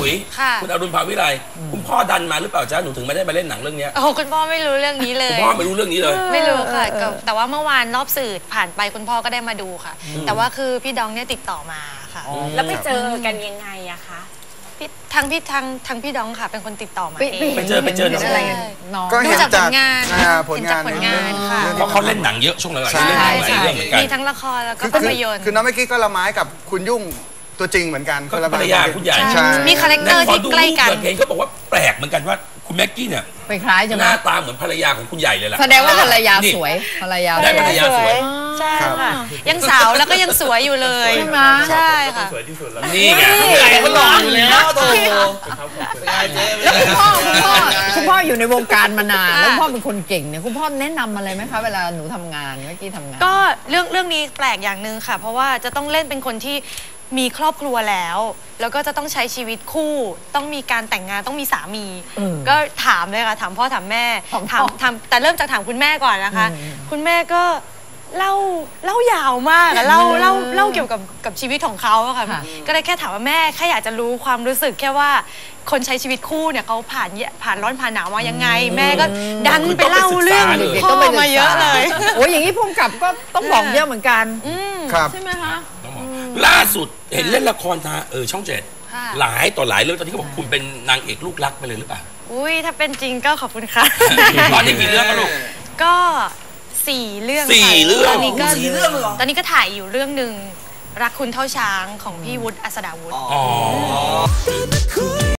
ยคุณอรุณภาวิไลคุณพ่อดันมาหรือเปล่าจ๊ะหนูถึงไม่ได้มาเล่นหนังเรื่องนี้โอ้คุณพ่อไม่รู้เรื่องนี้เลยคุณพ่อไม่รู้เรื่องนี้เลยไม่รู้ค่ะแต่ว่าเมื่อวานรอบสื่อผ่านไปคุณพ่อก็ได้มาดูค่ะแต่ว่าคือพี่ดองเนี่ยติดต่อมาค่ะแล้วไปเจอกันยังไงอะคะทางพี่ดองค่ะเป็นคนติดต่อมาเองไปเจอน้องดูจากผลงานค่ะเพราะเขาเล่นหนังเยอะช่วงหลังๆเล่นหนังหลายเรื่องเหมือนกันมีทั้งละครแล้วก็ภาพยนตร์คือน้องเมื่อกี้ก็ละไม้กับคุณยุ่งตัวจริงเหมือนกันคนละภรรยาคุณใหญ่มีคาแรคเตอร์ที่ใกล้กันเพลงเขาบอกว่าแปลกเหมือนกันว่าคุณแม็กกี้เนี่ยไปคล้ายจังหน้าตาเหมือนภรรยาของคุณใหญ่เลยล่ะแสดงว่าภรรยาสวยภรรยาได้ภรรยาสวยใช่ค่ะยังสาวแล้วก็ยังสวยอยู่เลยใช่ไหมใช่ค่ะสวยที่สุดแล้วนี่ไงใหญ่ก็หล่ออยู่แล้วโตแล้วคุณพ่ออยู่ในวงการมานานแล้วพ่อเป็นคนเก่งเนี่ยคุณพ่อแนะนำอะไรไหมคะเวลาหนูทำงานเมื่อกี้ทำงานก็เรื่องนี้แปลกอย่างหนึ่งค่ะเพราะว่าจะต้องเล่นเป็นคนที่มีครอบครัวแล้วก็จะต้องใช้ชีวิตคู่ต้องมีการแต่งงานต้องมีสามีก็ถามเลยค่ะถามพ่อถามแม่ถามแต่เริ่มจากถามคุณแม่ก่อนนะคะคุณแม่ก็เล่ายาวมากเล่าเกี่ยวกับชีวิตของเขาอะค่ะก็เลยแค่ถามว่าแม่แค่อยากจะรู้ความรู้สึกแค่ว่าคนใช้ชีวิตคู่เนี่ยเขาผ่านร้อนผ่านหนาวมายังไงแม่ก็ดันไปเล่าเรื่องพ่อมาเยอะเลยโอ้ยอย่างนี้พุ่งกลับก็ต้องบอกเยอะเหมือนกันครับใช่ไหมคะล่าสุดเห็นเล่นละครทางช่อง7หลายต่อหลายเรื่องตอนนี้เขาบอกคุณเป็นนางเอกลูกรักไปเลยหรือเปล่าอุ้ยถ้าเป็นจริงก็ขอบคุณค่ะตอนนี้กี่เรื่องลูกก็4 เรื่องตอนนี้ก็ถ่ายอยู่เรื่องหนึ่งรักคุณเท่าช้างของพี่วุฒิอัศดาวุฒิ